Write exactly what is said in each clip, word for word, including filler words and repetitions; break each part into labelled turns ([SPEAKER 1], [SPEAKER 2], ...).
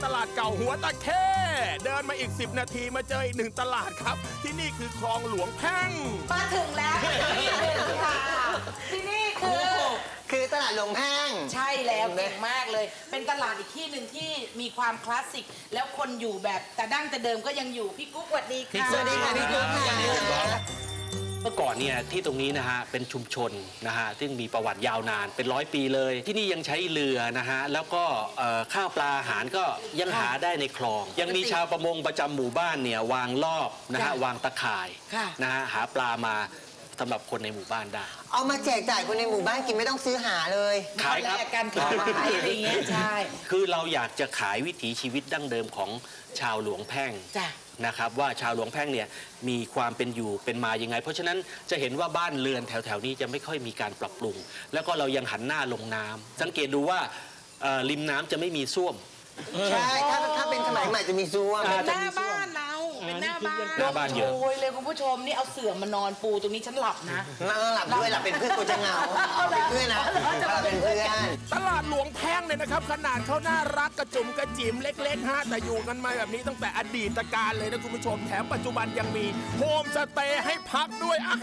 [SPEAKER 1] ตลาดเก่าหัวตะเข้เดินมาอีกสิบนาทีมาเจออีกหนึ่งตลาดครับที่นี่คือคลองหลวงแพ่ง
[SPEAKER 2] มาถึงแล้วค่ะที่นี่คือ
[SPEAKER 3] คือตลาดหลวงแพ่ง
[SPEAKER 2] ใช่แล้วเก่งมากเลยเป็นตลาดอีกที่หนึ่งที่มีความคลาสสิกแล้วคนอยู่แบบแต่ดั้งแต่เดิมก็ยังอยู่พี่กุ๊กสวัสดีค่ะ
[SPEAKER 3] สวัสดีค่ะพี่กุ๊กค่ะ
[SPEAKER 4] เมื่อก่อนเนี่ยที่ตรงนี้นะฮะเป็นชุมชนนะฮะซึ่งมีประวัติยาวนานเป็นร้อยปีเลยที่นี่ยังใช้เรือนะฮะแล้วก็ข้าวปลาอาหารก็ยังหาได้ในคลองยังมีชาวประมงประจำหมู่บ้านเนี่ยวางรอบนะฮะวางตะข่ายนะฮะหาปลามาสำหรับคนในหมู่บ้านได้
[SPEAKER 3] เอามาแจกจ่ายคนในหมู่บ้านกินไม่ต้องซื้อหาเลย
[SPEAKER 4] ขายครับ
[SPEAKER 2] การขายอะไรอย่างเงี้ยใช่
[SPEAKER 4] คือเราอยากจะขายวิถีชีวิตดั้งเดิมของชาวหลวงแพ่งนะครับว่าชาวหลวงแพ่งเนี่ยมีความเป็นอยู่เป็นมายังไงเพราะฉะนั้นจะเห็นว่าบ้านเรือนแถวๆนี้จะไม่ค่อยมีการปรับปรุงแล้วก็เรายังหันหน้าลงน้ำสังเกตดูว่าริมน้ำจะไม่มีส้วม
[SPEAKER 3] ใช่ถ้าถ้าเป็นสมัยใหม่จะมีส้วม
[SPEAKER 2] เป็นหน้าบ้านเราเป็นหน้าบ้าน
[SPEAKER 4] หน้าบ้านเยอะ
[SPEAKER 2] โอ้ยเลยคุณผู้ชมนี่เอาเสื่อมานอนปูตรงนี้ฉันหลับนะ
[SPEAKER 3] หลับด้วยหลับเป็นเพื่อนกูจะเหงาเป็นเพื่อนนะเป็นเพื่อน
[SPEAKER 1] ตลาดหลวงแพ่งเนี่ยนะครับขนาดเขาน่ารักกระจุ่มกระจิ๋มเล็กๆฮะแต่อยู่กันมาแบบนี้ตั้งแต่อดีตการเลยนะคุณผู้ชมแถมปัจจุบันยังมีโฮมสเตย์ให้พักด้วยอ่ะ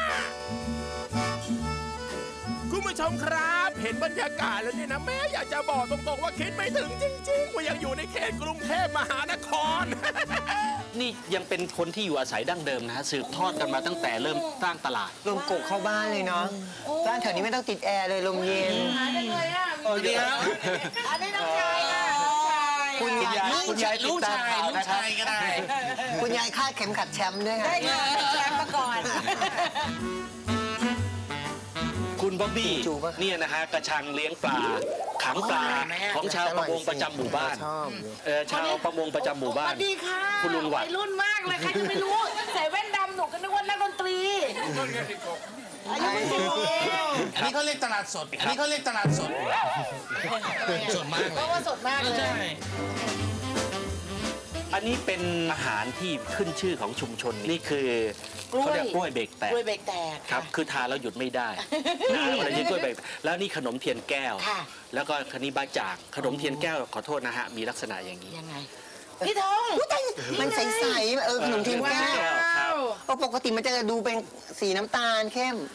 [SPEAKER 1] คุณผู้ชมครับเห็นบรรยากาศแล้วเนี่ยนะแม่อยากจะบอกตรงๆว่าคิดไม่ถึงจริงๆว่ายังอยู่ในเขตกรุงเทพมหานคร
[SPEAKER 4] นี่ยังเป็นคนที่อยู่อาศัยดั้งเดิมนะฮะสืบทอดกันมาตั้งแต่เริ่มสร้างตลาด
[SPEAKER 3] ลมกกเข้าบ้านเลยเนาะบ้านแถวนี้ไม่ต้องติดแอร์เลยลมเย็น
[SPEAKER 2] หาได้เลยอ่ะ
[SPEAKER 4] โอ้เดียว
[SPEAKER 2] อันนี้น้องชายอ่ะ
[SPEAKER 3] คุณยาย
[SPEAKER 4] คุณยายลูกชายลูกชายก็ได้
[SPEAKER 3] คุณยายคาดเข็มขัดแชมป์ด้วยค่ะ
[SPEAKER 2] ได้แชมป์มาก่อน
[SPEAKER 4] คุณบ๊อบบี้เนี่ยนะฮะกระชังเลี้ยงปลาขังปลาของชาวประมงประจำหมู่บ้านเออชาวประมงประจำหมู่บ้าน
[SPEAKER 2] สวัสดีค่ะ
[SPEAKER 4] คุณลุงวัด
[SPEAKER 2] รุ่นมากเลยใครจะไม่รู้ใส่แว่นดำหนูก็นึกว่านักดนตรี
[SPEAKER 5] อันนี้เขาเรียกตลาดสดอันนี้เขาเรียกตลาดสดสดมากเลย
[SPEAKER 2] เพราะว่าสดมากเลย
[SPEAKER 4] อันนี้เป็นอาหารที่ขึ้นชื่อของชุมชนนี่คือเขาเรียกกล้วยเบรกแตก
[SPEAKER 2] กล้วยเบรกแตก
[SPEAKER 4] ครับคือทานแล้วหยุดไม่ได้อะไรนี่กล้วยเบรกแล้วนี่ขนมเทียนแก้วแล้วก็คณิบ้าจ่างขนมเทียนแก้วขอโทษนะฮะมีลักษณะอย่างนี้
[SPEAKER 2] ยังไงพี่ทอง
[SPEAKER 3] มันใสๆเออขนมเทียนแก้วปกติมันจะดูเป็นสีน้ำตาลเข้ม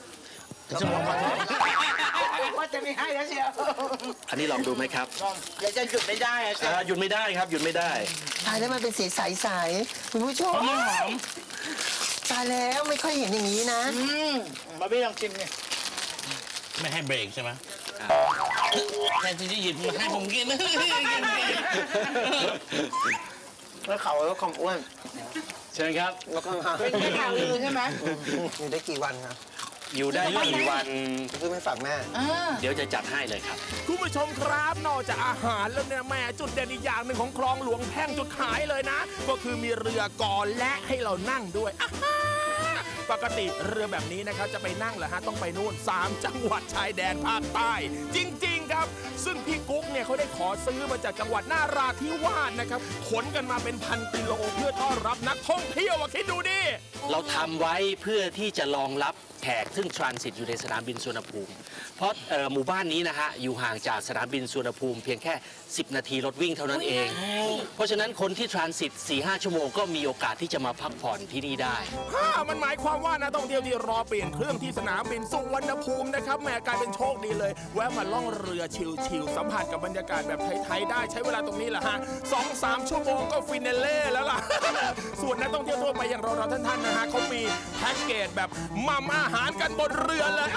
[SPEAKER 2] ว่าจะไม่ให้แล้วเชียว
[SPEAKER 4] อันนี้ลองดูไหมครับ
[SPEAKER 2] เดี๋ยวจะหยุดไม่ได้อ่ะ
[SPEAKER 4] หยุดไม่ได้ครับหยุดไม่ได้
[SPEAKER 3] ตายแล้วมันเป็นสีใสๆคุณผู้ชมตายแล้วไม่ค่อยเห็นอย่างนี้นะ
[SPEAKER 5] มาพี่ลองชิมเนี่ยไม่ให้เบรกใช่ไหมแทนที่จะหยิบมาให้ผมกิน
[SPEAKER 3] แล้วเขาแล้วความอ้วน
[SPEAKER 4] เชิญครับ
[SPEAKER 3] แล้วก็
[SPEAKER 2] เป็นข่าวลือใช่ไหม
[SPEAKER 3] อยู่ได้กี่วันครับ
[SPEAKER 4] อยู่ได้กี่วัน
[SPEAKER 3] ซื้อไม่ฝากแม่
[SPEAKER 4] เดี๋ยวจะจัดให้เลยครับ
[SPEAKER 1] คุณผู้ชมครับนอกจากอาหารแล้วเนี่ยแม่จุดเด่นอีกอย่างหนึ่งของคลองหลวงแพ่งจุดขายเลยนะก็คือมีเรือก่อและให้เรานั่งด้วยปกติเรือแบบนี้นะครับจะไปนั่งเหรอฮะต้องไปนู่นสามจังหวัดชายแดนภาคใต้จริงๆครับซึ่งพี่กุ๊กเนี่ยเขาได้ขอซื้อมาจากจังหวัดนาราธิวาสนะครับขนกันมาเป็นพันกิโลเพื่อต้อนรับนักท่องเที่ยวคิดดูดิ
[SPEAKER 4] เราทำไว้เพื่อที่จะรองรับแขกซึ่งทรานสิตอยู่ในสนามบินสุวรรณภูมิเพราะหมู่บ้านนี้นะฮะอยู่ห่างจากสนามบินสุวรรณภูมิเพียงแค่สิบนาทีรถวิ่งเท่านั้นเองเพราะฉะนั้นคนที่ทรานสิต สี่ห้า ชั่วโมงก็มีโอกาสที่จะมาพักผ่อนที่นี่ได้
[SPEAKER 1] มันหมายความว่านักท่องเที่ยวที่รอเปลี่ยนเครื่องที่สนามบินสุวรรณภูมินะครับแม่กลายเป็นโชคดีเลยแวะมาล่องเรือชิลๆสัมผัสกับบรรยากาศแบบไทยๆได้ใช้เวลาตรงนี้แหละฮะสองสามชั่วโมงก็ฟินเล่แล้วล่ะส่วนนักท่องเที่ยวทั่วไปอย่างเราๆท่านๆนะฮะเขามีแพ็กเกจแบบมั่มอาหารกันบนเรือเลย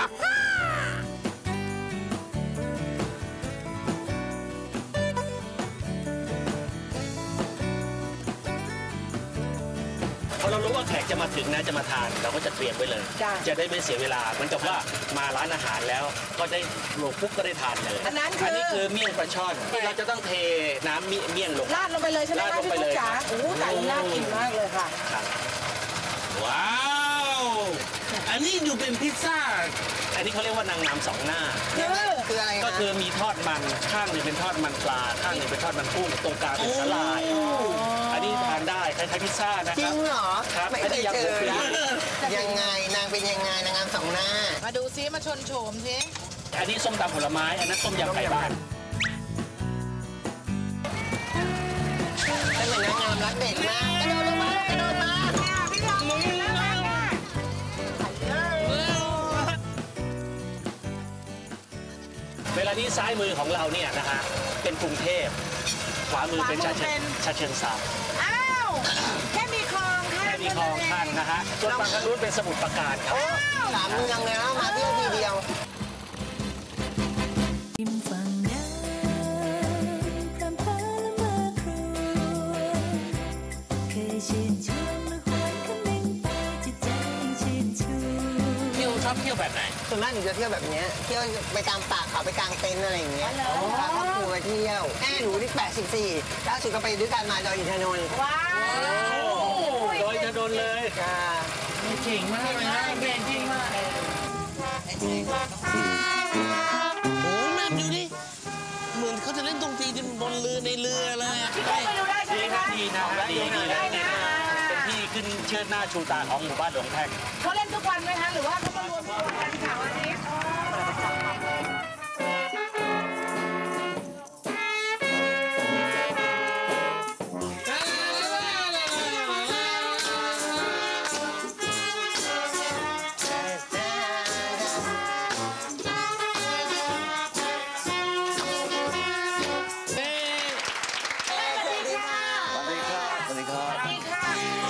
[SPEAKER 4] พอเรารู้ว่าแขกจะมาถึงนะจะมาทานเราก็จะเตรียมไว้เลยจะได้ไม่เสียเวลาเหมือนกับว่ามาร้านอาหารแล้วก็ได้ลงปุ๊บก็ได้ทานเลย
[SPEAKER 2] อันนั้น
[SPEAKER 4] อันนี้คือเมี่ยงปลาช่อนเราจะต้องเทน้ำเมี่ยงลง
[SPEAKER 2] ราดลงไปเลยใช่ไหมคะพี่กุ๊กจ๋าโอ้ไก่น่ากินมากเลยค่ะ
[SPEAKER 5] ว้าวอันนี้ดูเป็นพิซซ่า
[SPEAKER 4] อันนี้เขาเรียกว่านางงามสองหน้า
[SPEAKER 3] คืออะไร
[SPEAKER 4] ก็คือมีทอดมันข้างหนึ่งเป็นทอดมันปลาข้างหนึ่งเป็นทอดมันกุ้งตรงกลางเป็นสลายอันนี้ทานได้คล้ายๆพิซซ่านะครับ
[SPEAKER 3] จริงเหรอ
[SPEAKER 4] ครับ
[SPEAKER 3] ไม่เคยเจอยังไงนางเป็นยังไงนางงามสองหน้า
[SPEAKER 2] มาดูซิมาชนโฉมซิ
[SPEAKER 4] อันนี้ส้มตำผลไม้อันนั้นต้มยำไก่บ้านอันนี้ซ้ายมือของเราเนี่ยนะฮะเป็นกรุงเทพขวามือเป็นชาเชิงชาเชิงเทรา
[SPEAKER 2] อ้าวแค่มีคลองข้าง
[SPEAKER 4] แค่มีคลองข้างนะฮะส่วนฝั่งทางนู้นเป็นสมุทรปราการครับ
[SPEAKER 3] สามเมืองเลยนะมาเที่ยวทีเดียว
[SPEAKER 6] ริมฝั่งน้ำพรำพาละเมอครวญเคยชื่นชมและหวนคำนึงไปจิตใจยังชื่นชู
[SPEAKER 5] เที่ยวชอบเที่ยวแบบไหน
[SPEAKER 3] ส่วนมากหนูจะเที่ยวแบบเนี้ยเที่ยวไปตามป่าเขาไปกางเต็นท์อะไรอย่างเงี้ยพาครอบครัวไปเที่ยวแม่หนูนี่แปดสิบสี่ล่าสุดก็ไปด้วยกันมาดอยอินทนนท์
[SPEAKER 2] ว้าว
[SPEAKER 4] โดยจะโดนเลย
[SPEAKER 3] จ้า
[SPEAKER 5] เก่งมากเลยนะ
[SPEAKER 2] เก่งจริงมาก
[SPEAKER 5] โอ้แม่ดูดิเหมือนเขาจะเล่นดนตรีบนเรือในเรือเลยอะ
[SPEAKER 2] พี่ก้องไปดูได้ใช่ไหมคะ
[SPEAKER 4] ดีนะดีดีนะเป็นที่ขึ้นเชิดหน้าชูตาของหมู่บ้านหลวงแพ่ง
[SPEAKER 2] เขาเล่นทุกวันไหมคะหรือว่าเขามารวมตัวกันเสาร์อาทิตย์
[SPEAKER 7] สวัสดีครับ
[SPEAKER 2] สวัสดีค่ะ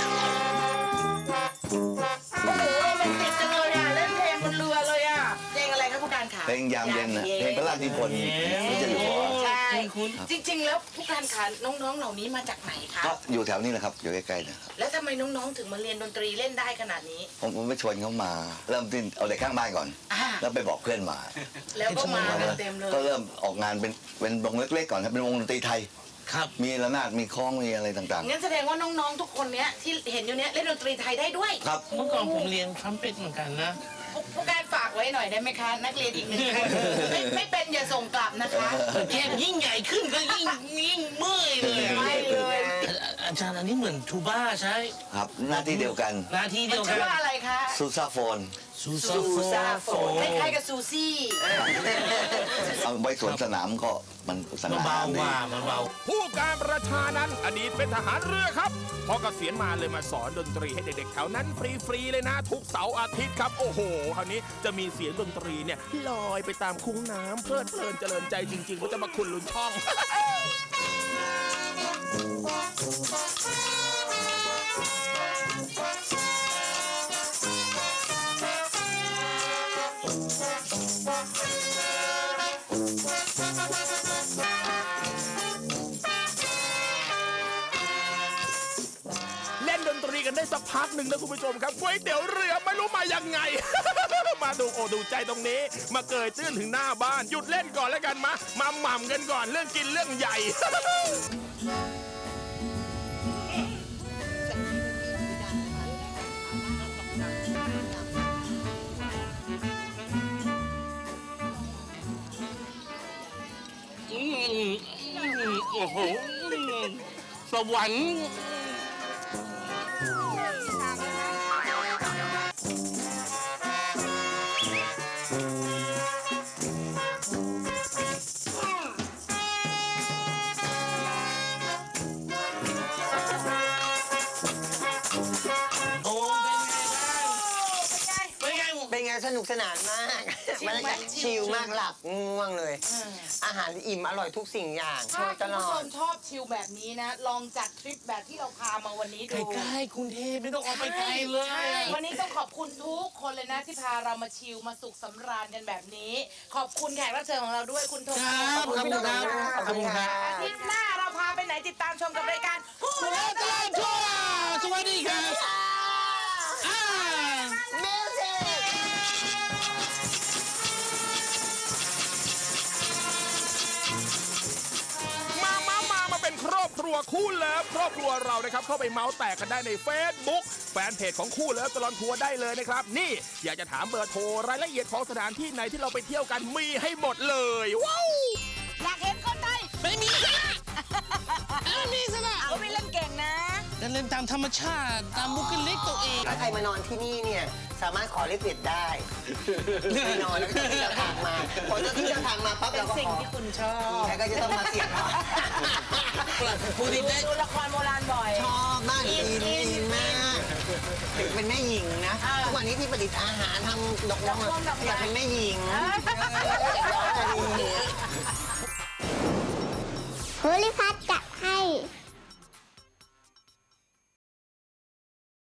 [SPEAKER 2] โอ้โหโรแมนติกจังเลยอ่ะ เล่นเพลงบนเรือเลยอ่ะ เพลงอะไรคะคุณการขา
[SPEAKER 7] เพลงยามเย็นนะเพลงพระราชนิพนธ์พระเจ้าอยู่หัว
[SPEAKER 2] ใช่จริง ๆ แล้วผู้การขาน้องๆ เหล่านี้มาจากไหนคะ
[SPEAKER 7] ก็อยู่แถวนี้แหละครับ อยู่ใกล้ๆนะครับ
[SPEAKER 2] แล้วทำไมน้องๆ ถึงมาเรียนดนตรีเล่นได้ขนาดนี้
[SPEAKER 7] ผมผมไปชวนเขามา เริ่มที่เอาเด็กข้างบ้านก่อน
[SPEAKER 2] อ่า
[SPEAKER 7] แล้วไปบอกเพื่อนมา
[SPEAKER 2] แล้วก็มากันเต็มเลย
[SPEAKER 7] ก็เริ่มออกงานเป็นเป็นวงเล็กๆก่อนครับเป็นวงดนตรีไทย
[SPEAKER 5] ครับ
[SPEAKER 7] มีระนาดมีคล้องมีอะไรต่าง
[SPEAKER 2] งั้นแสดงว่าน้องๆ ทุกคนเนี้ยที่เห็นอยู่เนี้ยเล่นดนตรีไทยได้ด้วย
[SPEAKER 7] ๆ ครับ
[SPEAKER 5] เมื่อก่อนผมเรียนทรัมเป็ตเหมือนกันนะ
[SPEAKER 2] ผู้ผู้การฝากไว้หน่อยได้ไหมคะ นักเรียนอีกหนึ่งคนไม่ไม่เป็นอย่าส่งกลับนะคะ
[SPEAKER 5] แค่ยิ่งใหญ่ขึ้นก็ยิ่งยิ่งเมื่อยเลยอะ
[SPEAKER 2] ไม่เลย
[SPEAKER 5] อาอาจารย์อันนี้เหมือนทูบ้าใช่
[SPEAKER 7] ครับหน้าที่เดียวกัน
[SPEAKER 5] หน้าที่
[SPEAKER 2] มั
[SPEAKER 5] เดี
[SPEAKER 2] น
[SPEAKER 5] ยวกั
[SPEAKER 2] ชื่
[SPEAKER 5] น
[SPEAKER 2] อว่าอะไรคะ
[SPEAKER 7] ซูซาโฟน
[SPEAKER 5] ซู
[SPEAKER 2] ซูซาโฟนค
[SPEAKER 5] น
[SPEAKER 2] ล้ายๆกับซูซี่
[SPEAKER 7] เอาไว้สวนสนามก็มันส
[SPEAKER 5] มัน
[SPEAKER 7] นาม
[SPEAKER 5] เบา
[SPEAKER 7] ดี
[SPEAKER 5] กว่ามันเบา
[SPEAKER 1] ผู้การประชานั้นอดีตเป็นทหารเรือครับ พอเกษียณมาเลยมาสอนดนตรีให้เด็กๆแถวนั้นฟรีๆเลยนะ ทุกเสาร์อาทิตย์ครับ โอ้โห คราวนี้จะมีเสียงดนตรีเนี่ยลอยไปตามคุ้งน้ำเพลิดเพลินเจริญใจจริงๆเขาจะมาคุณลุนช่อง เล่นดนตรีกันได้สักพักหนึ่งนะคุณผู้ชมครับก๋วยเตี๋ยวเรือไม่รู้มายังไง มาดูโอดูใจตรงนี้ มาเกยตื้นถึงหน้าบ้านหยุดเล่นก่อนแล้วกันมามาหม่ำกันก่อนเรื่องกินเรื่องใหญ่
[SPEAKER 5] อืมอืมโอ้โหสวรรค์ โอ้เป็นไงบ้างเป็นไง
[SPEAKER 3] เป็นไงสนุกสนานมากบรรยากาศชิลมากหลับง่วงเลย อาหารอิ่มอร่อยทุกสิ่งอย่างโช
[SPEAKER 2] ถ้า
[SPEAKER 3] ว์ต
[SPEAKER 2] คุณ
[SPEAKER 3] ล
[SPEAKER 2] ผู้
[SPEAKER 3] อ
[SPEAKER 2] ช
[SPEAKER 3] ด
[SPEAKER 2] มชอบชิลแบบนี้นะ ลองจัดทริปแบบที่เราพามาวันนี้ดู
[SPEAKER 5] ใกล้ๆกรุงเทพไม่ต้องออกไปไกลเลย
[SPEAKER 2] ใช่วันนี้ต้องขอบคุณทุกคนเลยนะที่พาเรามาชิลมาสุขสำราญกันแบบนี้ ขอบคุณแขกรับเชิญของเราด้วยคุณโท
[SPEAKER 5] ครับขอบคุณครับขอบคุณครับ
[SPEAKER 2] อาทิตย์หน้าเราพาไปไหนติดตามชมกับรายการผู้
[SPEAKER 5] หัว
[SPEAKER 2] เล่น
[SPEAKER 5] ตลาดทั่วสวัสดีครับอ่า
[SPEAKER 3] มิวสิก
[SPEAKER 1] มามามามาเป็นครอบครัวคู่เลิฟครอบครัวเรานะครับเข้าไปเมาส์แตกกันได้ใน Facebook แฟนเพจของคู่เลิฟตลอดทัวร์ได้เลยนะครับ นี่อยากจะถามเบอร์โทรรายละเอียดของสถานที่ไหนที่เราไปเที่ยวกันมีให้หมดเลยว้าว
[SPEAKER 2] อยากเห็นคนไทย
[SPEAKER 5] ไม่มีสนะไม่มีสนะ
[SPEAKER 2] เอาไปเล่นเก่งนะ
[SPEAKER 5] เล่นตามธรรมชาติตามบุคลิกตัวเอง
[SPEAKER 3] ถ้าใครมานอนที่นี่เนี่ยสามารถขอเลขเด็ดได้ไปนอนแล้วก็ที่จะทางมาพอเจ้าที่เจะทางมาปั๊บ
[SPEAKER 2] เป็
[SPEAKER 3] เรา
[SPEAKER 2] น
[SPEAKER 3] ก็
[SPEAKER 2] สิ่ง
[SPEAKER 3] ขอ
[SPEAKER 2] ที่คุณชอบ
[SPEAKER 3] ใครก็จะต้องมาเสี่ยงหน่อย
[SPEAKER 5] ผู้ที่ได้
[SPEAKER 2] ดูละครโบราณบ่อย
[SPEAKER 3] ชอบมากอินอินมากถึงเป็นแม่หญิงนะ
[SPEAKER 2] อ่า
[SPEAKER 3] ทุกวันนี้ที่ประดิษฐ์อาหารทำดอก
[SPEAKER 2] ดอกม่วงดอกไม้
[SPEAKER 3] อยากเป็นแม่หญิง
[SPEAKER 2] เออ
[SPEAKER 3] เอออยากจะดี
[SPEAKER 8] ภูริพัฒน์จัดให้